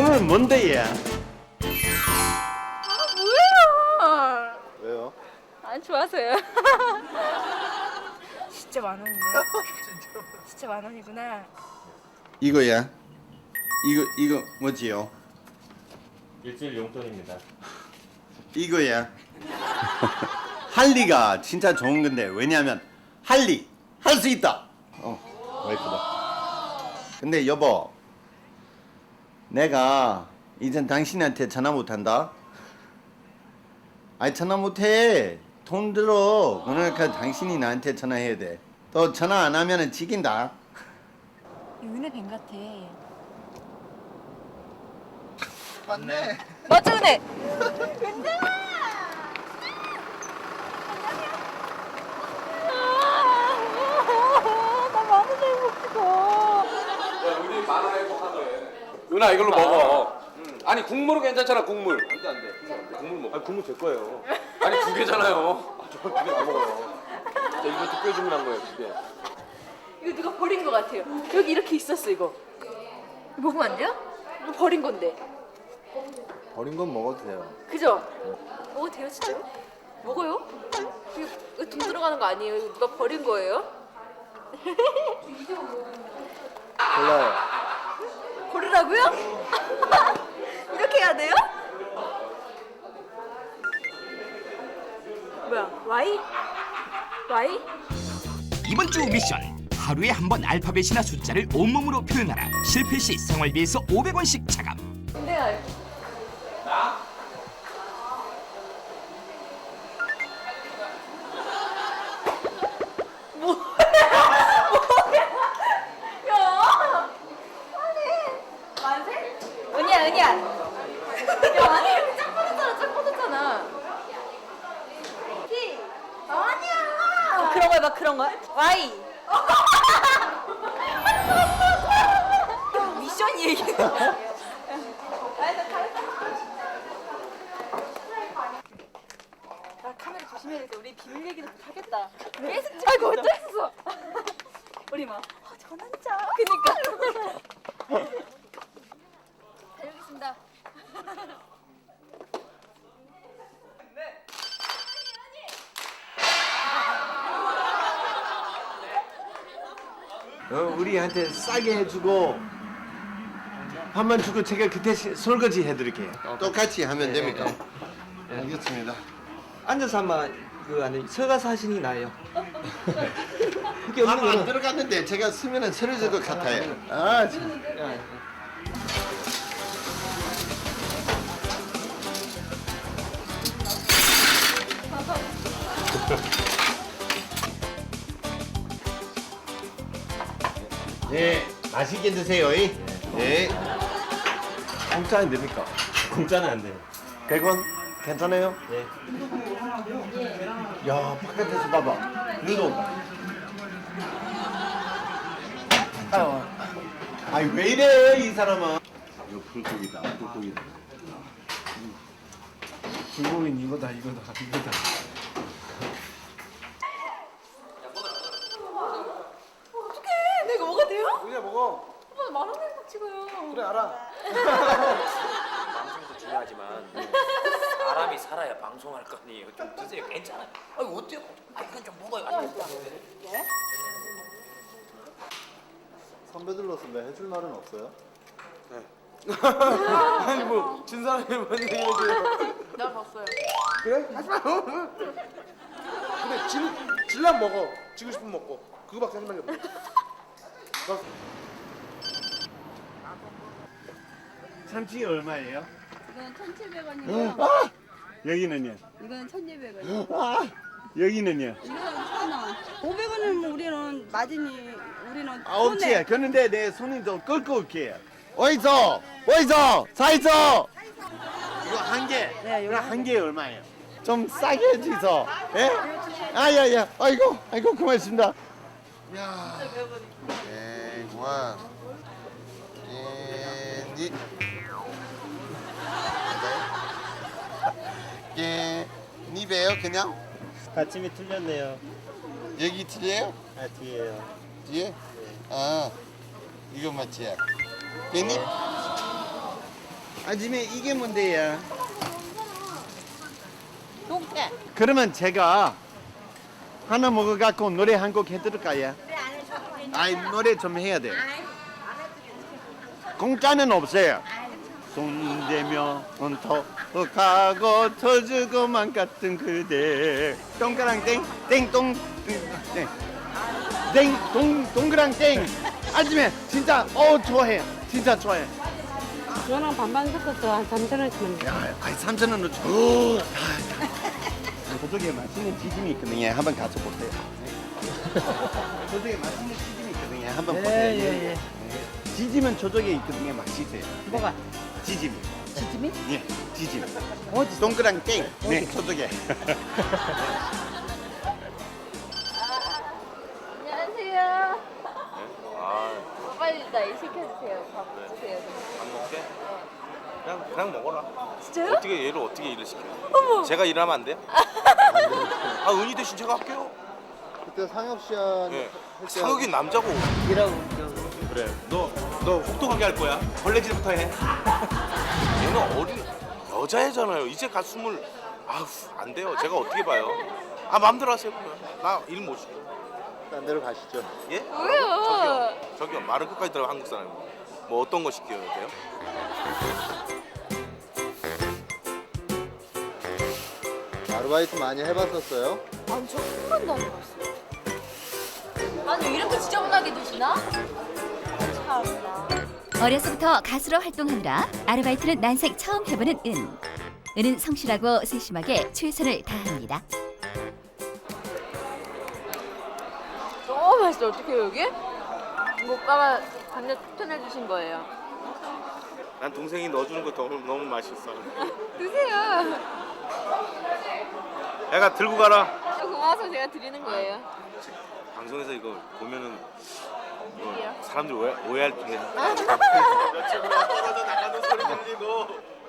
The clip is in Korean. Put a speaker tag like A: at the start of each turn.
A: 오늘 뭔데 얘?
B: 뭐예요?
C: 왜요?
B: 안 좋아서요. 진짜 만 원이네. 진짜 만 원이구나.
A: 이거야? 이거 뭐지요?
D: 일주일 용돈입니다.
A: 이거야. 할리가 진짜 좋은 건데 왜냐면 할리 할 수 있다. 와이프다. 근데 여보, 내가 이젠 당신한테 전화 못 한다. 아니 전화 못 해. 돈 들어. 그러니까 당신이 나한테 전화해야 돼. 또 전화 안 하면은 지긴다.
B: 은혜 뱀 같아.
A: 맞네.
B: 맞죠, 은혜? 나 많은 잘 먹고.
E: 우리 만화 행복하네. 누나 이걸로 먹어. 아니 국물은 괜찮잖아 국물. 안돼. 국물 먹어. 아니 국물 제 거예요. 아니 두 개잖아요. 저두 개 다 먹어요. 이거 특별 주문한 거예요 두 개.
B: 이거 누가 버린 것 같아요. 여기 이렇게 있었어, 이거. 이거 먹으면 안 돼요? 이거 버린 건데.
C: 버린 건 먹어도 돼요.
B: 그죠? 먹어도 돼요, 진짜로? 먹어요? 이거 돈 들어가는 거 아니에요? 이거 누가 버린 거예요?
C: 골라요.
B: 고르라고요? 이렇게 해야 돼요? 뭐야? Y? Y?
F: 이번 주 미션 하루에 한 번 알파벳이나 숫자를 온몸으로 표현하라. 실패 시 생활비에서 500원씩 차감.
B: 근데 은희야. 야, 아니 이렇게 짝 뻗었잖아. P. 아니야. 그런 거 해봐, 그런 거. Y. 미션 얘기. 나 카메라 조심해야겠다. 우리 비밀 얘기도 못 하겠다. 계속 아이고 어쩌겠어. 우리 막 전환자. 그니까. 다녀오겠습니다.
A: 우리한테 싸게 해주고 밥만 주고 제가 그때 설거지 해드릴게요. 똑같이 하면 됩니까? 알겠습니다.
G: 앉아서 한번 그 안에 서가서 하시는 게 나아요. 그게 없는
A: 밥 안
G: 거는
A: 들어갔는데 제가 쓰면은 쓰러질 것 같아요. 아, 참. 네, 맛있게 드세요. 네. 공짜는 됩니까?
D: 공짜는 안 돼요.
A: 100원 괜찮아요?
D: 네.
A: 야, 바깥에서 봐봐. 눈 온다. 아이 왜 이래 이 사람은? 이거 불고기다, 불고기다.
C: 불고기는 이거다.
B: 어떡해? 내가 먹어도 돼요?
C: 그래 먹어.
B: 오빠 만 원 내고 찍어요.
C: 그래 알아.
H: 방송도 중요하지만 사람이 살아야 방송할 거 아니에요. 좀 드세요. 괜찮아요. 아니 어때요? 아 이건 좀 먹어요.
C: 선배들로서 왜 해줄 말은 없어요?
E: 아니 뭐 진 사람이 뭔 얘기해요?
B: 내가 봤어요.
E: 그래? 하지 마. 근데 질란 먹어. 지고 싶으면 먹고. 그거밖에 할 말이 없어.
A: 참치 얼마예요?
B: 이건 1,700원이고요.
A: 아! 여기는요?
B: 이건 1,200원.
A: 아! 여기는요?
B: 이건 1,000원. 500원은 뭐 우리는 마진이 우리는
A: 없지. 그런데 내 손이 좀 끌고 올게요. 어디서? 사이서? 이거 한 개.
B: 네,
A: 이거 한 개 얼마예요? 좀 싸게 해주소. 예? 아야야. 아이고 고맙습니다. 야. 원. 니베요 그냥?
D: 받침이 틀렸네요.
A: 여기 틀려요?
D: 아 뒤에요.
A: 뒤에? 아 이거 맞지? 깻잎? 아줌마 이게 뭔데요?
B: 동태.
A: 그러면 제가 하나 먹어갖고 노래 한 곡 해드릴까요? 아이 노래 좀 해야 돼. 공짜는 없어요. 손대며 터가고 터주고만 같은 그대 동그랑 땡땡동 땡동 동그랑 땡 아줌마 진짜 좋아해 진짜 좋아해.
I: 저랑 반반 섞어서 한 3,000원씩만 줘.
A: 야, 아이 3,000원으로 줘. 저쪽에 맛있는 튀김이 있거든요. 한번 가서 보세요. 저쪽에 맛있는 튀김이 있거든요. 한번 보세요. 예. 지짐은 저쪽에 있거든요. 맛있어요.
I: 뭐가?
A: 지짐.
I: 지짐이?
A: 예, 지짐. 어디? 동그랑 땡. 네, 저쪽에.
B: 안녕하세요. 빨리 나 일 시켜주세요. 밥 주세요.
J: 안 먹게? 그냥 먹어라.
B: 진짜요?
J: 어떻게 얘를 어떻게 일을 시켜?
B: 어머.
J: 제가 일하면 안 돼요? 아 은희 대신 제가 할게요.
C: 그때 상혁 씨한
J: 예. 상혁이 남자고.
E: 그래. 너 혹독하게 할 거야. 걸레질부터 해.
J: 얘는 어린 여자애잖아요. 이제 갓 20. 아우 안 돼요. 제가 어떻게 봐요? 아 마음대로 하세요. 나 일 못 시켜.
C: 딴 데로 가시죠.
J: 예?
B: 왜요?
J: 저기요 말을 끝까지 들어 한국 사람이. 뭐 어떤 거 시켜야 돼요?
C: 아르바이트 많이 해봤었어요?
B: 아니 저 한 번도 안 해봤어요. 아니 이렇게 지저분하게 드시나? 참나.
K: 어려서부터 가수로 활동하느라 아르바이트는 난생 처음 해보는 은. 은은 성실하고 세심하게 최선을 다합니다.
B: 너무 맛있어. 어떡해요 여기? 이거 오빠가 간장 추천해주신 거예요.
J: 난 동생이 넣어주는 거 너무 맛있어.
B: 드세요.
J: 애가 들고 가라.
B: 저 고마워서 제가 드리는 거예요.
J: 방송에서 이거 보면은
B: 이게요?
J: 사람들 오해할 텐데.
E: 며칠 후에 떨어져 나가는 소리 들리고